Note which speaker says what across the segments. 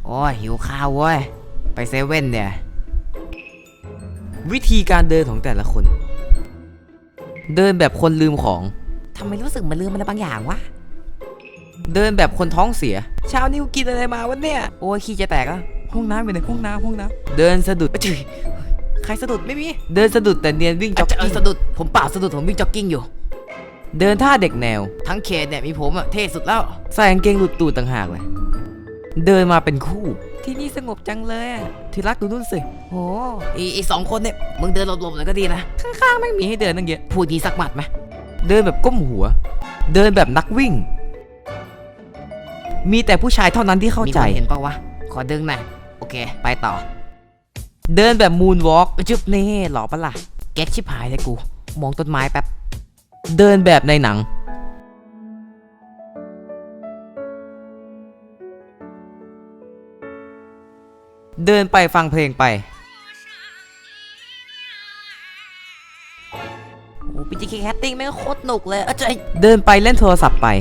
Speaker 1: โอ้ยหิวข้าวเว้ยไปเซเว่นเนี่ยวิธีการเดินของแต่ละคน เดินแบบคนลืมของทำไมรู้สึกมันลืมอะไรบางอย่างวะเดินแบบคนท้องเสียเช้านี้กูกินอะไรมาวะเนี่ยโอ้ยขี้จะแตกอ่ะห้องน้ำอยู่ในห้องน้ำเดินสะดุดจุ๊ยใครสะดุดไม่มีเดินสะดุดแต่เนียนวิ่งจ็อกกิ้งสะดุดผมเปล่าสะดุดผมวิ่งจ็อกกิ้งอยู่เดินท่าเด็กแนวทั้งเขตเนี่ยมีผมอะเท่สุดแล้วใส่กางเกงหลุดตูดต่างหากเลยเดินมาเป็นคู่ที่นี่สงบจังเลยที่รักดูนู่นสิโอ้อีสองคนเนี่ยมึงเดินหลบๆหน่อยก็ดีนะข้างๆไม่มีให้เดินตั้งเยอะพูดดีสักหมัดไหมเดินแบบก้มหัวเดินแบบนักวิ่งมีแต่ผู้ชายเท่านั้นที่เข้าใจเห็นปะวะขอดึงหน่อยโอเคไปต่อเดินแบบมูนวอล์กจุ๊บเน่หล่อปะล่ะแก๊กชิบหายเลยกูมองต้นไม้แป๊บเดินแบบในหนังเดินไปฟังเพลงไปโอ้พี่จีแคสติ้งแม่งโคตรหนุกเลยเดินไปเล่นโทรศัพท์ไป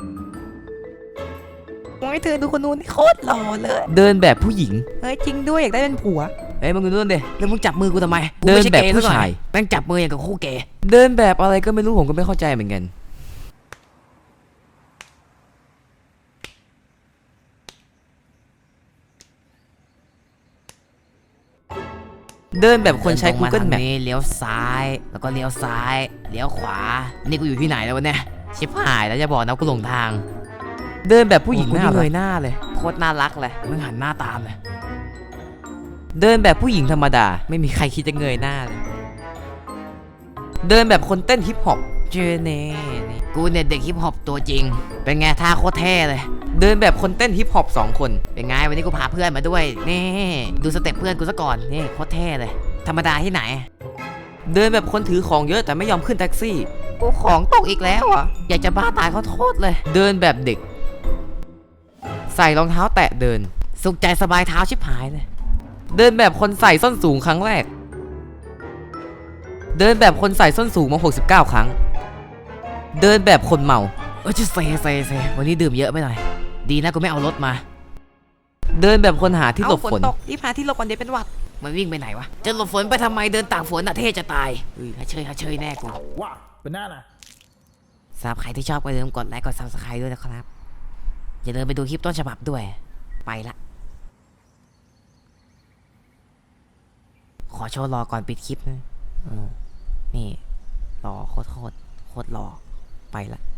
Speaker 1: โอ้ยเธอดูคนนู้นนี่โคตรหล่อเลยเดินแบบผู้หญิงเฮ้ยจริงด้วยอยากได้เป็นผัวเฮ้ยมึงดูนู่นดิแล้วมึงจับมือกูทำไมเดินแบบผู้ชายแม่งจับมืออย่างกับคู่เกย์เดินแบบอะไรก็ไม่รู้ผมก็ไม่เข้าใจเหมือนกันเดินแบบคนใช้ Google Map เลี้ยวซ้ายแล้วก็เลี้ยวซ้ายเลี้ยวขวานี่กูอยู่ที่ไหนแล้ววะเนี่ยชิบหายแล้วจะบอกนะกูหลงทางเดินแบบผู้หญิงหน้าเลยหน้าเลยโคตรน่ารักเลยมึงหันหน้าตามเลยเดินแบบผู้หญิงธรรมดาไม่มีใครคิดจะเงยหน้าเลยเดินแบบคนเต้นฮิปฮอปเจเน่นี่กูเนี่ยเด็กฮิปฮอปตัวจริงเป็นไงท่าโคตรเท่เลยเดินแบบคนเต้นฮิปฮอป2 คนเป็นไงวันนี้กูพาเพื่อนมาด้วยนี่ดูสเต็ปเพื่อนกูซะก่อนนี่โคตรเท่เลยธรรมดาที่ไหนเดินแบบคนถือของเยอะแต่ไม่ยอมขึ้นแท็กซี่กูของตกอีกแล้วอ่ะอยากจะบ้าตายเขาโทษเลยเดินแบบเด็กใส่รองเท้าแตะเดินสุขใจสบายเท้าชิบหายเลยเดินแบบคนใส่ส้นสูงครั้งแรกเดินแบบคนใส่ส้นสูงมา69 ครั้งเดินแบบคนเมาจะเซวันนี้ดื่มเยอะไปหน่อยดีนะกูไม่เอารถมาเดินแบบคนหาที่หลบฝนที่พาที่หลบก่อนเดี๋ยวเป็นหวัดมันวิ่งไปไหนวะจะหลบฝนไปทำไมเดินตากฝนน่ะเท่จะตายฮัเชยแน่กู
Speaker 2: ว้าวเป็นหน้านะ
Speaker 1: สำหรับใครที่ชอบก็อย่าลืมกดไลค์กด Subscribe ด้วยนะครับอย่าลืมไปดูคลิปต้นฉบับด้วยไปละขอโชว์รอก่อนปิดคลิปนะนี่รอโคตรหล่อไปละ